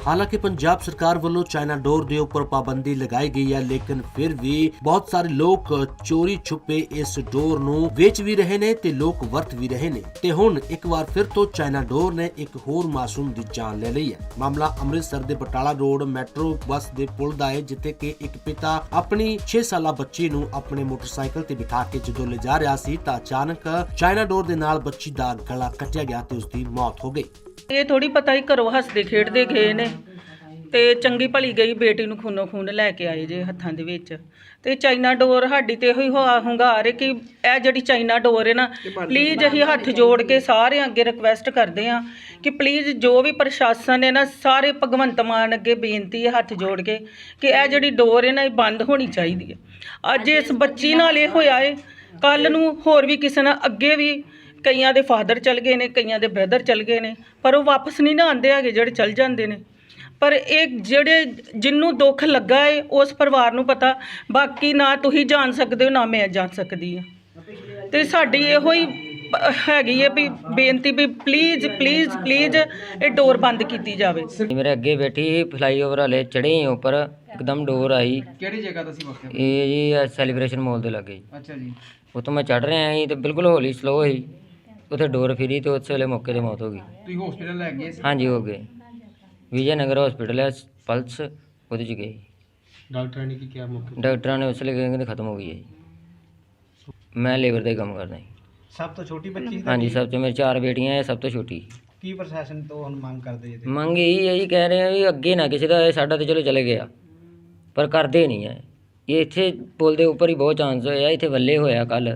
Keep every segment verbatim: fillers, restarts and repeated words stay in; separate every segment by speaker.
Speaker 1: ਹਾਲਾਂਕਿ ਪੰਜਾਬ ਸਰਕਾਰ ਵੱਲੋਂ ਚਾਈਨਾ ਡੋਰ ਦੇ ਉੱਪਰ ਪਾਬੰਦੀ ਲਗਾਈ ਗਈ ਹੈ, ਲੇਕਿਨ ਫਿਰ ਵੀ ਬਹੁਤ ਸਾਰੇ ਲੋਕ ਚੋਰੀ ਛੁਪੇ ਇਸ ਡੋਰ ਨੂੰ ਵੇਚ ਵੀ ਰਹੇ ਨੇ ਤੇ ਲੋਕ ਵਰਤ ਵੀ ਰਹੇ ਨੇ ਤੇ ਹੁਣ ਇੱਕ ਵਾਰ ਫਿਰ ਤੋਂ ਚਾਈਨਾ ਡੋਰ ਨੇ ਇੱਕ ਹੋਰ ਮਾਸੂਮ ਦੀ ਜਾਨ ਲੈ ਲਈ ਹੈ। ਮਾਮਲਾ ਅੰਮ੍ਰਿਤਸਰ ਦੇ ਬਟਾਲਾ ਰੋਡ ਮੈਟਰੋ ਬੱਸ ਦੇ ਪੁਲ ਦਾ ਹੈ, ਜਿੱਥੇ ਕਿ ਇੱਕ ਪਿਤਾ ਆਪਣੀ ਛੇ ਸਾਲਾ ਬੱਚੀ ਨੂੰ ਆਪਣੇ ਮੋਟਰਸਾਈਕਲ ਤੇ ਬਿਠਾ ਕੇ ਜਦੋਂ ਲੈ ਜਾ ਰਿਹਾ ਸੀ ਤਾਂ ਅਚਾਨਕ ਚਾਈਨਾ ਡੋਰ ਦੇ ਨਾਲ ਬੱਚੀ ਦਾ ਗਲਾ ਕੱਟਿਆ ਗਿਆ ਤੇ ਉਸ ਦੀ ਮੌਤ ਹੋ ਗਈ।
Speaker 2: ਇਹ ਥੋੜੀ ਪਤਾ ਹੀ ਘਰੋਂ ਹੱਸਦੇ ਖੇਡਦੇ ਗਏ ਨੇ ਤੇ ਚੰਗੀ ਭਲੀ ਗਈ ਬੇਟੀ ਨੂੰ ਖੂਨੋ ਖੂਨ ਲੈ ਕੇ ਆਏ ਜੇ ਹੱਥਾਂ ਦੇ ਵਿੱਚ। ਤੇ ਚਾਈਨਾ ਡੋਰ ਸਾਡੀ ਤੇ ਇਹੋ ਹੀ ਹੁੰਗਾਰ ਹੈ ਕਿ ਇਹ ਜਿਹੜੀ ਚਾਈਨਾ ਡੋਰ ਹੈ ਨਾ, ਪਲੀਜ਼ ਅਸੀਂ ਹੱਥ ਜੋੜ ਕੇ ਸਾਰਿਆਂ ਅੱਗੇ ਰਿਕਵੈਸਟ ਕਰਦੇ ਹਾਂ ਕਿ ਪਲੀਜ਼ ਜੋ ਵੀ ਪ੍ਰਸ਼ਾਸਨ ਹੈ ਨਾ, ਸਾਰੇ ਭਗਵੰਤ ਮਾਨ ਅੱਗੇ ਬੇਨਤੀ ਹੈ ਹੱਥ ਜੋੜ ਕੇ ਕਿ ਇਹ ਜਿਹੜੀ ਡੋਰ ਹੈ ਨਾ, ਇਹ ਬੰਦ ਹੋਣੀ ਚਾਹੀਦੀ ਹੈ। ਅੱਜ ਇਸ ਬੱਚੀ ਨਾਲ ਇਹ ਹੋਇਆ ਹੈ, ਕੱਲ੍ਹ ਨੂੰ ਹੋਰ ਵੀ ਕਿਸੇ ਨਾਲ, ਅੱਗੇ ਵੀ ਕਈਆਂ ਦੇ ਫਾਦਰ ਚਲ ਗਏ ਨੇ, ਕਈਆਂ ਦੇ ਬ੍ਰਦਰ ਚਲ ਗਏ ਨੇ, ਪਰ ਉਹ ਵਾਪਸ ਨਹੀਂ ਨਾ ਆਉਂਦੇ ਹੈਗੇ, ਜਿਹੜੇ ਚਲ ਜਾਂਦੇ ਨੇ। ਪਰ ਇਹ ਜਿਹੜੇ ਜਿਹਨੂੰ ਦੁੱਖ ਲੱਗਾ ਹੈ ਉਸ ਪਰਿਵਾਰ ਨੂੰ ਪਤਾ, ਬਾਕੀ ਨਾ ਤੁਸੀਂ ਜਾਣ ਸਕਦੇ ਹੋ ਨਾ ਮੈਂ ਜਾਣ ਸਕਦੀ ਹਾਂ। ਤੇ ਸਾਡੀ ਇਹੋ ਹੀ ਹੈਗੀ ਹੈ ਵੀ ਬੇਨਤੀ ਵੀ ਪਲੀਜ਼ ਪਲੀਜ਼ ਪਲੀਜ਼ ਇਹ ਡੋਰ ਬੰਦ ਕੀਤੀ ਜਾਵੇ।
Speaker 3: मेरे अगे बैठी फ्लाईओवर वाले चढ़े ही ऊपर एकदम डोर आई।
Speaker 4: ਕਿਹੜੀ ਜਗ੍ਹਾ ਦਾ ਸੀ ਵਕਤ?
Speaker 3: ये जी सैलीब्रेशन मॉल ਦੇ ਲੱਗੇ
Speaker 4: ਅੱਛਾ ਜੀ।
Speaker 3: ਉੱਥੋਂ ਮੈਂ ਚੜ੍ਹ ਰਿਹਾ ਸੀ ਤੇ ਬਿਲਕੁਲ ਹੌਲੀ ਸਲੋ ਹੋਈ, ਉੱਥੇ ਡੋਰ ਫਿਰੀ ਤੇ ਉਸ ਵੇਲੇ ਮੌਕੇ ਤੇ ਮੌਤ ਹੋ ਗਈ।
Speaker 4: ਤੁਸੀਂ ਹਸਪੀਟਲ ਲੈ ਗਏ ਸੀ?
Speaker 3: ਹਾਂਜੀ ਹੋ ਗਏ, ਵਿਜੇ ਨਗਰ ਹਸਪੀਟਲ ਹੈ ਪਲਸ, ਉਹਦੇ 'ਚ ਗਏ।
Speaker 4: ਡਾਕਟਰਾਂ ਨੇ ਕੀ ਕਿਹਾ ਮੌਕੇ?
Speaker 3: ਡਾਕਟਰਾਂ ਨੇ ਉਸ ਵੇਲੇ ਕਹਿੰਦੇ ਖਤਮ ਹੋ ਗਈ ਹੈ ਜੀ। ਮੈਂ ਲੇਬਰ ਦਾ ਹੀ ਕੰਮ ਕਰਦਾ ਜੀ।
Speaker 4: ਸਭ ਤੋਂ ਛੋਟੀ ਬੱਚੀ?
Speaker 3: ਹਾਂਜੀ, ਸਭ ਤੋਂ ਮੇਰੇ ਚਾਰ ਬੇਟੀਆਂ ਹੈ, ਸਭ ਤੋਂ ਛੋਟੀ।
Speaker 4: ਕੀ ਪ੍ਰਸ਼ਾਸਨ ਤੋਂ ਹੁਣ ਮੰਗ ਕਰਦੇ ਜੀ?
Speaker 3: ਮੰਗ ਇਹੀ ਹੈ ਜੀ, ਕਹਿ ਰਹੇ ਆ ਵੀ ਅੱਗੇ ਨਾ ਕਿਸੇ ਦਾ, ਸਾਡਾ ਤਾਂ ਚਲੋ ਚਲੇ ਗਿਆ ਪਰ ਕਰਦੇ ਨਹੀਂ ਹੈ। ਇਹ ਇੱਥੇ ਪੁਲ ਦੇ ਉੱਪਰ ਹੀ ਬਹੁਤ ਚਾਂਸ ਹੋਇਆ, ਇੱਥੇ ਵੱਲੇ ਹੋਇਆ ਕੱਲ,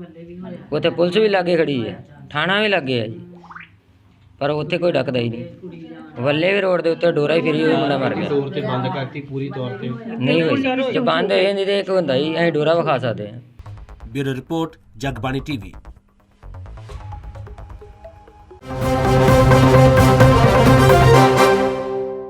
Speaker 3: ਉੱਥੇ ਪੁਲਿਸ ਵੀ ਲਾਗੇ ਖੜੀ ਹੈ, ਥਾਣਾ ਵੀ ਲਾਗੇ ਹੈ ਜੀ, ਪਰ ਉੱਥੇ ਕੋਈ ਡੱਕਦਾ ਹੀ ਨਹੀਂ। ਵੱਲੇ ਵੀ ਰੋਡ ਦੇ ਉੱਤੇ ਡੋਰਾ ਹੀ ਫਿਰੀ ਹੋਈ, ਮੁੰਡਾ ਮਰ ਗਿਆ।
Speaker 4: ਤੌਰ ਤੇ ਬੰਦ ਕਰਤੀ ਪੂਰੀ ਤੌਰ ਤੇ?
Speaker 3: ਨਹੀਂ ਹੋਈ, ਜੇ ਬੰਦ ਹੋ ਜਾਂਦੀ ਤੇ ਇੱਕ ਹੁੰਦਾ ਜੀ ਅਸੀਂ ਡੋਰਾ ਵਿਖਾ ਸਕਦੇ ਹਾਂ।
Speaker 1: Bureau report, Jagbani TV.